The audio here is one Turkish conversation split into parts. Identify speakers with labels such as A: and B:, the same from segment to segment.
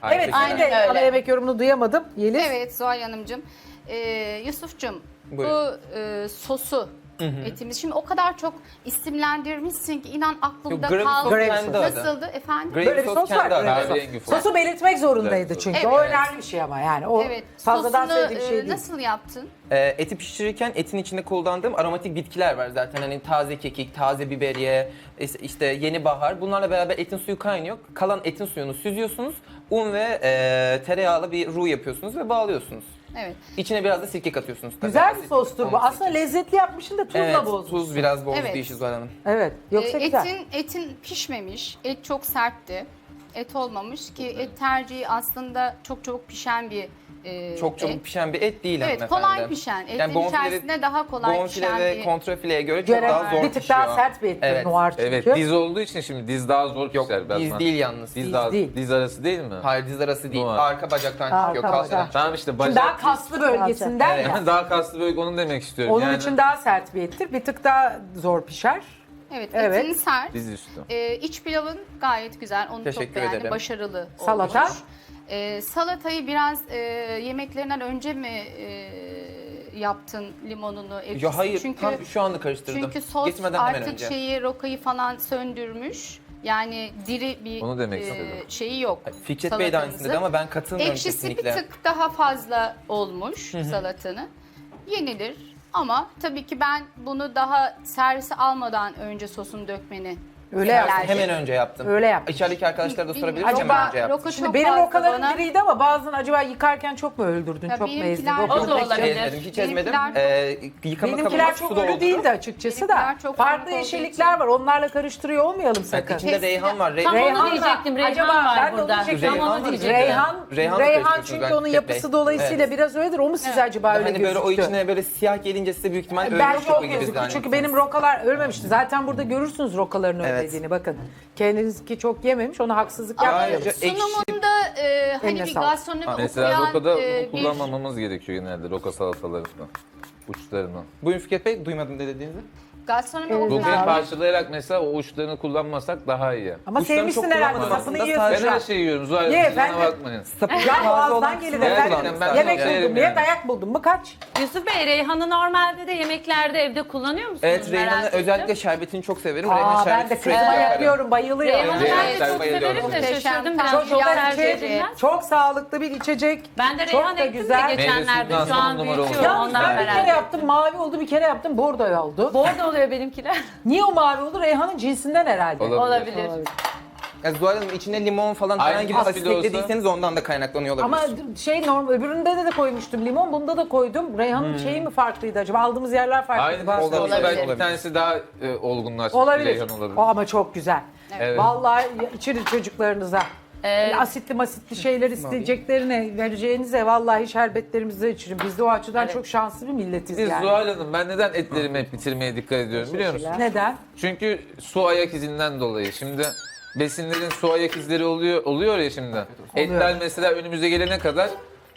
A: Evet,
B: Aynen
A: sizin de
C: öyle.
A: ana yemek yorumunu duyamadım. Yeliz.
C: Evet Zuhal Hanımcığım. Yusuf'cum bu
B: Buyurun.
C: sosu etimiz. Şimdi o kadar çok isimlendirmişsin ki inan aklımda
B: Yok, gravy
C: kaldı.
B: sos kendi adı.
C: Nasıldı efendim?
B: Gravy
A: Böyle bir
B: sos
A: sos var.
B: kendi adı.
A: Böyle bir
D: Kahverengi
A: sos.
D: sos.
A: Sosu belirtmek zorundaydı
D: Evet.
A: çünkü.
C: Evet.
A: O önemli bir şey ama yani. O
C: Evet.
A: fazladan
C: Sosunu,
A: söylediği bir şey değil.
C: nasıl yaptın?
B: Eti pişirirken etin içinde kullandığım aromatik bitkiler var zaten. Hani taze kekik, taze biberiye, işte yeni bahar. Bunlarla beraber etin suyu kaynıyor. Kalan etin suyunu süzüyorsunuz. Un ve tereyağlı bir roux yapıyorsunuz ve bağlıyorsunuz.
C: Evet.
B: İçine biraz da sirke katıyorsunuz. tabii.
A: Güzel bir
B: Asit,
A: sostur bu.
B: onun
A: Aslında
B: sirkesi.
A: lezzetli yapmışsın da tuzla
B: Evet,
A: bozmuş.
B: tuz biraz bozdu
C: Evet.
B: işi Zuhal Hanım.
A: Evet. Yoksa güzel.
C: Etin pişmemiş. Et çok sertti. Et olmamış ki et tercihi aslında çok çabuk pişen bir
B: Çok çabuk
C: et.
B: pişen bir et değil
C: Evet,
B: hanımefendi.
C: kolay pişen. Etin içerisinde daha kolay
B: bonfile
C: pişen
B: ve
C: bir...
B: kontrafileye göre çok
A: Göre
B: daha zor
A: bir tık
B: pişiyor.
A: daha sert bir ettir
B: Evet.
A: noir çünkü.
D: Evet, diz olduğu için şimdi diz daha zor
B: Yok,
D: pişer.
B: diz
D: Batman.
B: değil yalnız.
D: Diz,
A: Diz
D: daha,
A: değil.
D: diz arası değil mi?
B: Hayır, diz arası değil.
D: Noir.
B: Arka bacaktan
A: Arka
B: çıkıyor. Kalçadan
A: bacak.
D: Tamam işte
A: Şimdi
D: bacak.
A: daha kaslı bölgesinden
B: Evet.
A: ya.
D: Yani daha kaslı bölge onu demek istiyorum.
A: Onun
D: yani,
A: için daha sert bir ettir. Bir tık daha zor pişer.
C: Evet,
A: Evet.
C: etini sert.
D: diz üstü.
C: İç pilavın gayet güzel. Onu
B: Teşekkür
C: çok beğendim.
B: ederim.
C: Başarılı olmuş.
A: Salata?
C: Salatayı biraz yemeklerinden önce mi yaptın limonunu, ekşisini?
B: Ya hayır,
C: Çünkü,
B: tam şu anda karıştırdım.
C: çünkü sos
B: Geçmeden hemen
C: artık
B: önce.
C: rokayı falan söndürmüş. Yani diri bir
D: Onu demek istedim.
C: şeyi yok.
B: Fikret Bey de aynısını dedi ama ben katılmıyorum
C: Ekşisi
B: kesinlikle.
C: bir tık daha fazla olmuş salatanı. Yenilir ama tabii ki ben bunu daha servise almadan önce sosunu dökmeni
A: Öyle
C: önerdim.
A: yaptın.
B: Hemen önce yaptım.
A: Öyle yaptın.
B: İçerideki arkadaşlara da sorabilirim.
C: Bilmiyorum.
B: Hemen
A: Acaba
B: önce yaptım.
C: roka
A: Şimdi
C: çok
A: benim
C: fazla
A: rokalarım
C: bana-
A: diriydi ama bazen acaba yıkarken çok mu öldürdün,
C: Ya
A: çok mu ezdin?
C: benimkiler-
A: Roka
C: O da
A: pek-
C: olabilir.
B: Ezmedim, hiç ezmedim.
C: Benimkiler
B: Yıkama
A: Benimkiler
B: kabına
A: çok
B: su da
A: ölü
B: oldu.
A: değildi açıkçası da.
C: Benimkiler çok
A: Farklı
C: farklı olduğu
A: yeşillikler var. Onlarla karıştırıyor olmayalım sakın.
B: Evet, içinde reyhan var.
E: Tam
B: Reyhan,
E: onu diyecektim. Reyhan
A: Acaba
E: var
A: ben de onu
E: burada.
A: diyecektim.
B: Reyhan
E: Tam onu
B: var.
E: diyecektim.
B: Reyhan da
A: Reyhan
B: karıştırıyorsunuz
A: çünkü
B: belki
A: onun
B: Fikret
A: yapısı
B: Bey.
A: dolayısıyla biraz öyledir. O mu size acaba öyle
B: Hani böyle o
A: gözüktü?
B: içine böyle siyah gelince size büyük ihtimal
A: Ben
B: ölmüş
A: çok
B: roka gibi
A: gözüktü. Çünkü
B: zannettiniz.
A: benim rokalar ölmemişti. Zaten burada görürsünüz rokaların
B: Evet.
A: ölmediğini. Bakın. Kendinizki çok yememiş. Ona haksızlık
B: Ayrıca
A: yapmıyoruz.
B: ekşi-
C: sunumunda hani
A: Eline
C: bir
A: sağlık.
C: gastronomi
D: Mesela
C: okuyan
D: rokada
C: bir
D: kullanmamamız gerekiyor genelde roka salatalarında. Uçlarını.
B: Buyurun Fikret Bey, duymadım ne dediğinizi.
C: gastronomi
D: Rokayı
C: okuyan
D: parçalayarak mesela o uçlarını kullanmasak daha iyi.
A: Ama
B: Uçlarını
A: sevmişsin
B: çok
A: herhalde.
B: kullanmadım
A: Sapını
B: aslında.
A: yiyorsun
D: Ben
A: şu an.
D: her şeyi yiyorum Zuhal
A: Ye
D: Hanım, siz bana
A: efendim.
D: bakmayın.
A: Ya boğazdan gelir efendim.
D: ben
A: Yemek
D: yerim
A: buldum. Ye
D: yani.
A: dayak buldum mu kaç?
E: Yusuf Bey, reyhanı normalde de yemeklerde evde kullanıyor musunuz?
B: Evet, Reyhan'ın
E: Merak ettim.
B: özellikle şerbetini çok severim. Reyhan
A: Aa ben
B: şerbeti
A: de
B: sürekli
A: kızıma
B: yaparım.
A: yapıyorum. Bayılıyorum.
E: Reyhanı
D: Reyhan
E: ben de
D: sen
E: çok
D: bayılıyorum.
E: severim de
C: Muhteşem,
E: şaşırdım
C: tam
E: biraz.
A: Çok
E: Çok
A: tercih
E: tercih
A: ederim.
E: edilmez.
A: Çok sağlıklı bir içecek.
E: Ben de
A: Çok
E: reyhan
A: da
E: ektim
A: güzel.
E: de geçenlerde.
D: Meyve
E: Şu an
D: suyundan sonra
E: büyütüyorum
D: oldu.
A: Yalnız
E: ondan
A: ben bir
E: merak
A: kere
E: ettim.
A: yaptım mavi oldu, bir kere yaptım bordo oldu.
E: Bordo oluyor benimkiler.
A: Niye o mavi oldu? Reyhan'ın cinsinden herhalde.
D: Olabilir.
E: Olabilir.
B: Ya Zuhal Hanım içine limon falan
D: Aynı
B: herhangi bir
D: gibi
B: asit
D: olsa-
B: eklediyseniz ondan da kaynaklanıyor olabilir.
A: Ama normal öbüründe de koymuştum limon, bunda da koydum. Reyhan'ın şeyi mi farklıydı acaba? Aldığımız yerler farklıydı.
D: Aynı
A: bazı.
B: olabilir.
D: belki
B: Olabilir.
D: bir tanesi daha olgunlaşmış.
A: Olabilir.
D: Reyhan olabilir.
A: O ama çok güzel.
D: Evet.
A: Vallahi içirin çocuklarınıza. Böyle asitli masitli şeyler isteyeceklerine vereceğinize vallahi şerbetlerimizi içirin. Biz de o açıdan çok şanslı bir milletiz
D: Biz
A: yani.
D: Zuhal Hanım, ben neden etlerimi hep bitirmeye dikkat ediyorum biliyor musun?
A: Neden?
D: Çünkü su ayak izinden dolayı. Şimdi besinlerin su ayak izleri oluyor ya şimdi. Etler mesela önümüze gelene kadar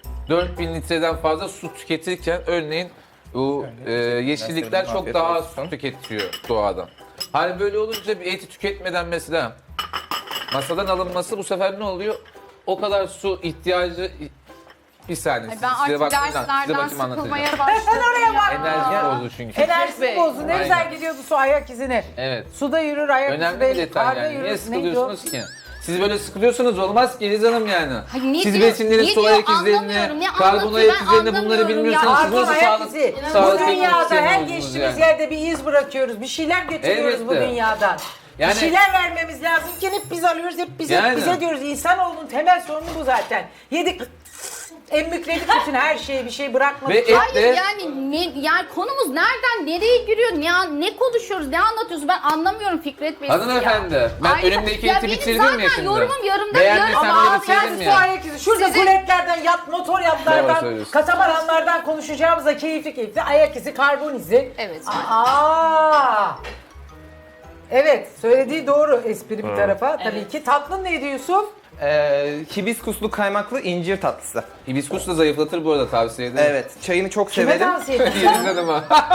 D: 4000 litreden fazla su tüketirken örneğin bu yeşillikler çok
B: Afiyet
D: daha
B: olsun.
D: su tüketiyor doğadan. Hani böyle olunca bir eti tüketmeden mesela masadan alınması bu sefer ne oluyor? O kadar su ihtiyacı bir saniye.
C: ben
D: size
C: artık
D: bakayım, size
C: derslerden
D: bakayım anlatacağım.
C: sıkılmaya başladım ya.
D: Enerji bozdu çünkü.
A: Enerjisi bozdu. Ne
D: Aynen.
A: güzel gidiyordu su ayak izine.
D: Evet.
A: Suda yürür, ayak izi
D: Önemli bir
A: belli.
D: detay
A: Karda
D: yani.
A: yürür.
D: Niye
A: Neydi o?
D: sıkılıyorsunuz ki? Siz böyle sıkılıyorsunuz olmaz ki Eliz Hanım yani.
C: Hayır, ne
D: Siz
C: diyor-
D: besinlerin
C: ne
D: su
C: diyor
D: ayak izlerini,
C: anlamıyorum. Ne
D: karbon
C: anlatıyor
D: ayak
C: ben
D: izlerini bunları
C: anlamıyorum ya.
D: bilmiyorsanız siz
A: Pardon
D: nasıl
A: ayak
D: sağlık,
A: izi. Bu
D: sağlık
A: dünyada her
D: ekonomisi
A: geçtiğimiz
D: yani.
A: yerde bir iz bırakıyoruz. Bir şeyler götürüyoruz bu
D: Elbette.
A: dünyadan.
D: Yani-
A: Bir şeyler vermemiz lazım ki hep biz alıyoruz, hep bize,
D: Yani.
A: bize diyoruz. İnsanoğlunun temel sorunu bu zaten. Yedik, emmükledik bütün her şeyi, bir şey bırakmadık.
D: Ve et
C: Hayır
D: de
C: yani konumuz nereden nereye giriyor? Ne konuşuyoruz? Ne anlatıyorsunuz? Ben anlamıyorum Fikret Bey.
D: hanımefendi ben
C: Ayrıca-
D: önümdeki
C: ya
D: eti
C: benim
D: bitirdim ya
C: zaten
D: şimdi.
C: yorumum yarımda
D: Beğendiysem
C: yarım.
D: de
A: Ama
D: bitirdim
A: kendisi
D: ya.
A: su ayak izi. Şurada
C: Sizin-
A: kuletlerden, motor
D: Doğru
A: yatlardan,
D: söylüyorsun.
A: katamaranlardan konuşacağımıza keyifli keyifli ayak izi, karbon izi.
C: Evet.
A: Aa! Evet, söylediği doğru espri bir tarafa. Tabii ki. Tatlın neydi Yusuf?
B: Hibiskuslu kaymaklı incir tatlısı.
D: Hibiskus da zayıflatır bu arada tavsiye ederim.
B: Evet, çayını çok
A: Kime
B: severim.
A: tavsiye ediyorsun?
D: Eliz Hanım'a.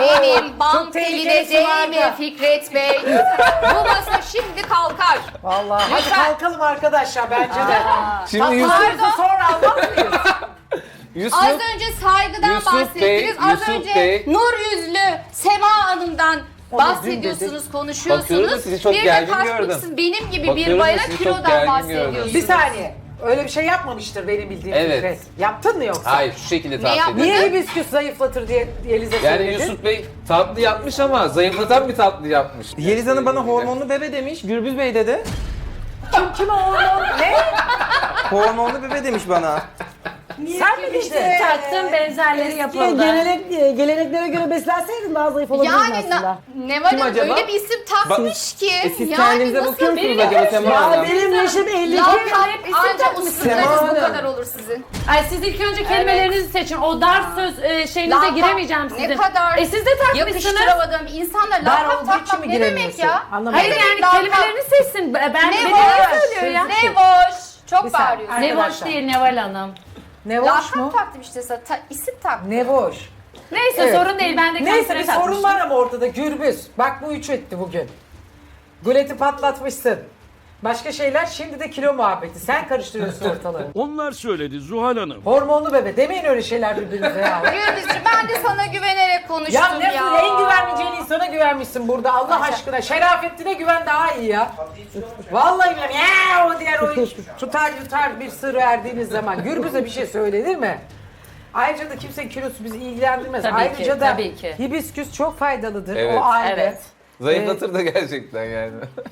C: Benim bank
A: tehlikeli
C: eline
A: sularda.
C: değme Fikret Bey. Bu masa şimdi kalkar.
A: Vallahi hadi
C: Lütfen.
A: kalkalım arkadaşlar bence de.
D: Şimdi
A: Tatlılarımızı sonra almaz mıyız?
D: Yusuf,
C: Az önce saygıdan
D: Yusuf
C: bahsettiniz.
D: Bey,
C: Az
D: Yusuf
C: önce
D: Bey.
C: nur yüzlü Sema Hanım'dan
A: Onu dün
C: bahsediyorsunuz,
D: Bakıyorum
C: konuşuyorsunuz.
D: da sizi çok
C: Bir de
D: gergin
C: kasmışsınız.
D: gördüm.
C: Benim gibi
D: Bakıyorum
C: bir
D: da
C: bayana
D: sizi çok
C: kilodan
D: gergin
C: bahsediyorsunuz.
D: gördüm.
A: Bir saniye. Öyle bir şey yapmamıştır benim bildiğim
B: Evet.
A: Fikret. Yaptın mı yoksa?
D: Hayır şu şekilde tavsiye
C: yapmadın?
D: ederim.
A: Niye hibisküs zayıflatır diye Yeliz'e
D: Yani
A: söyledin?
D: Yusuf Bey tatlı yapmış ama zayıflatan bir tatlı yapmış.
B: Yeliz Hanım bana hormonlu bebe demiş. Gürbüz Bey dedi.
A: Kime hormon? Ne?
B: Hormonlu bebe demiş bana.
A: Sen mi işte?
E: Taktım benzerleri yapıldı.
F: Geleneklere göre beslenseydin daha zayıf olabilirdin
C: Yani
F: aslında.
C: Neval
B: Kim
C: Hanım
B: acaba?
C: öyle bir isim takmış ki.
B: Siz
C: yani
B: kendinize
C: nasıl
B: bakıyor musunuz
E: bir-
B: acaba Sema
F: Ya
B: Hanım?
F: benim yaşım 52.
C: lakap
E: Hep
C: isim
E: ancak
C: takmışsınız
B: Sema
C: bu
B: Hanım.
C: kadar olur sizin.
E: Ay siz ilk önce kelimelerinizi seçin. O dar söz şeyinize
C: Lakap
E: giremeyeceğim sizin.
C: ne kadar
E: Siz de takmışsınız.
C: yakıştıramadığım insanlar
A: Dar
C: lakap
A: olduğu için
C: takmak
A: mi
C: ne demek
A: giremiyorsun?
C: ya?
A: Anlamadım.
E: Hayır
C: Ne
E: yani
C: lakap?
E: kelimelerini seçsin. Ben
C: Ne
E: beni
C: boş,
E: söylüyor ya.
C: ne boş. Çok
A: Bir saniye.
C: bağırıyorsun.
E: Ne boş
A: Arkadaşlar.
E: değil Neval Hanım.
A: Ne hoş mu?
C: Lakap taktım işte sana. İsim taktım.
A: Ne boş.
E: Neyse
A: Evet.
E: sorun değil. Ben de
A: Neyse
E: kendime
A: bir sorun
E: takmıştım.
A: var ama ortada Gürbüz. Bak bu 3 etti bugün. Guleti patlatmışsın. Başka şeyler şimdi de kilo muhabbeti. Sen karıştırıyorsun ortalığı.
G: Onlar söyledi Zuhal Hanım.
A: Hormonlu bebe. Demeyin öyle şeyler birbirinize ya.
C: Gürbüzcüğüm ben de sana güvenerek konuştum
A: Ya
C: ya.
A: ne en güvenmeyeceğin insana güvenmişsin burada Allah aşkına. Şerafettin'e güven daha iyi ya. Vallahi billahi ya o diğer o tutar yutar bir sır verdiğiniz zaman. Gürbüz'e bir şey söylenir mi? Ayrıca da kimsenin kilosu bizi ilgilendirmez.
E: Tabii
A: Ayrıca
E: ki,
A: da
E: tabii ki.
A: hibisküs çok faydalıdır.
D: Evet.
A: O ayrı.
E: Evet.
D: Zayıflatır da gerçekten yani.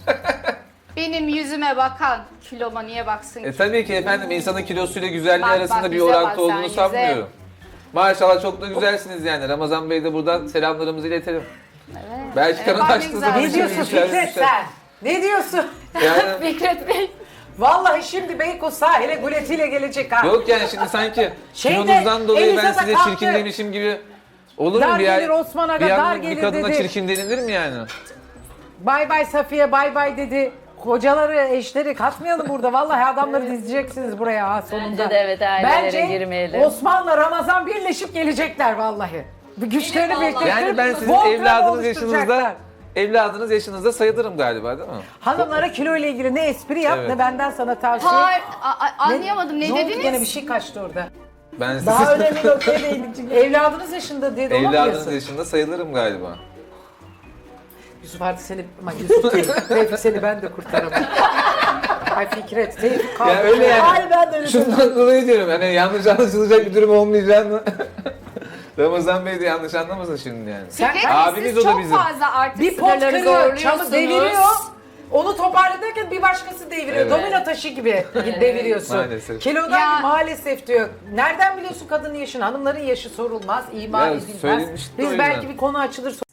C: Benim yüzüme bakan kiloma niye baksın ki?
D: Tabii ki efendim insanın kilosuyla güzelliği
C: Bak,
D: arasında
C: bak,
D: bir
C: yüze bak
D: orantı
C: sen,
D: olduğunu
C: yüze.
D: sanmıyorum. Maşallah çok da güzelsiniz yani. Ramazan Bey de buradan selamlarımızı iletelim. Belki
C: Evet,
D: karın
C: bak ne
D: açtığı
C: güzel.
D: zaman
A: Ne
D: bir
A: diyorsun
D: şey
A: Fikret sen? Ne diyorsun?
D: Yani,
E: Fikret Bey.
A: Vallahi şimdi Beykoz sahile guletiyle gelecek ha.
D: yok yani şimdi sanki
A: Şeyde,
D: kilonuzdan dolayı
A: Eliza
D: ben
A: da
D: size
A: kalktı.
D: çirkin demişim gibi olur mu?
A: Dar
D: Bir,
A: gelir Osman Aga,
D: bir
A: dar
D: yandan
A: gelir
D: bir kadına
A: dedi.
D: çirkin denilir mi yani?
A: Bay bay Safiye bay bay dedi. Kocaları, eşleri katmayalım burada. Vallahi adamları dizeceksiniz buraya ha sonunda.
E: Bence de evet, ailelere
A: Bence
E: girmeyelim.
A: Osman'la Ramazan birleşip gelecekler vallahi. Bu güçlerini birleştirip
D: Yani ben sizin
A: Voltran'ı
D: evladınız yaşınızda
A: oluşturacaklar.
D: sayılırım galiba değil mi?
A: Hanımlara kilo ile ilgili ne espri yap
D: Evet.
A: ne benden sana tavsiye.
C: Hayır, anlayamadım. Ne
A: oldu
C: dediniz?
A: gene bir şey kaçtı orada.
D: Ben siz
A: Daha önemli noktaya değindik. Evladınız yaşında diye
D: evladınız
A: dolamıyorsun.
D: yaşında sayılırım galiba.
A: Yusuf artık seni, ama Yusuf değil. Tevfik seni ben de kurtaramam. Ay Fikret, Tevfik kaldı.
D: Ya öyle yani.
F: Hayır ben de öyle
D: Şundan dolayı diyorum hani yanlış anlaşılacak bir durum olmayacağını. Ramazan Bey de yanlış anlamasın şimdi yani.
A: Sen
C: Fikret Bey,
D: Abiniz
C: siz
D: o da
C: çok
D: bizim.
C: fazla artık
A: bir pot
C: sınırları
A: kırıyor, çamı
C: zorluyorsunuz.
A: deviriyor. Onu toparlarken bir başkası deviriyor.
D: Evet.
A: Domino taşı gibi deviriyorsun.
D: Maalesef.
A: Kilodan
C: Ya-
A: maalesef diyor. Nereden biliyorsun kadının yaşını? Hanımların yaşı sorulmaz, ima
D: Ya
A: edilmez.
D: söylemişti o
A: Biz
D: yüzden.
A: belki bir konu açılır